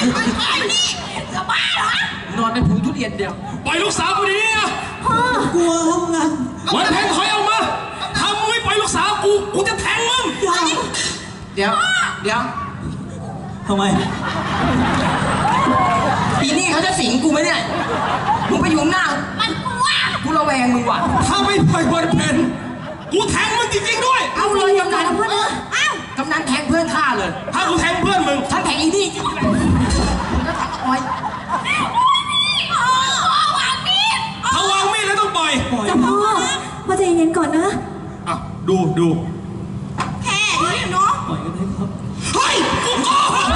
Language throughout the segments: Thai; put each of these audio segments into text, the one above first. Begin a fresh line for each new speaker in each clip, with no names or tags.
ไปนี่จะบ้าเหรอนอนเป็นผงทุเรียนเดียว
ปล่อยลูกสาวกูดีนะ
พ่อกลัวครับงั้น
วันแทงถอยออกมาทำไม่ปล่อยลูกสาวกูจะแทงมึง
เดี๋ยว
ทำไม
ปีนี้เขาจะสิงกูไหมเนี่ยมึงไปอยู่หน้ามันกลัวกูระแวงมึงว่ะ
ถ้าไม่ปล่อยวันเพนกูแทงมึงจริงๆด้วย
เอาเลยกำนันเพื่อนกำนันแทงเพื่อนข้าเลย
ถ้ากูแทงเพื่อนมึง
ฉันแทงอีนี่จริงแล้วแทงอ้อย
วางมีดแล้วต้องปล่อย
จะพ่อใจเย็นก่อนนะ
อ่ะดู
แค่นี้เนาะ
ปล่อยกันได้ครับ
เฮ้ยกูโกหก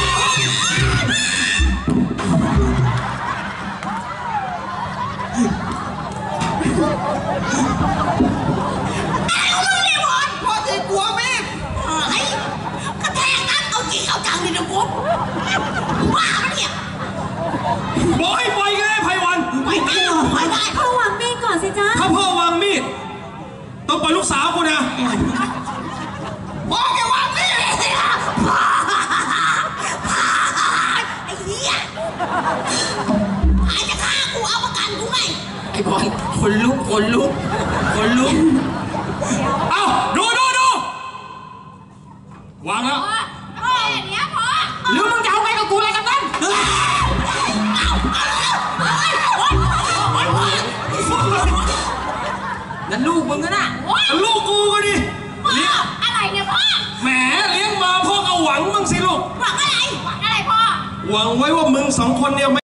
พ่อจะกลัวแม่ไอ้กระแทกนั่นเอาจริงเอาจังเลยนะกูบ้าเนี่ย
บอยปล่อยกันได้ไพวัน
ไม่ได้
พ่อวางมีดก่อนสิจ๊ะ
ถ้าพ่อวางมีดต้องปล่อยลูกสาวกูนะ
พ่อแกวางมีดเลยนะไอ้เหี้ยไอ้จะฆ่ากูเอาประกันกูไงไอ้บอยคนลุก
เอ้าดูวางแล้ว
พ่อเดี๋ยวพ่อหรือมึงจะเอาไงกับกูอะไรกันนั่นนั่นลูกมึงนะ
ลูกกูก็ดิ
เลี้ยงอะไรเนี่ยพ่อ
แหมเลี้ยงมาพ่อก็หวังมึงสิลูก
หวังอะไรพ่อ
หวังไว้ว่ามึงสองคนเนี่ย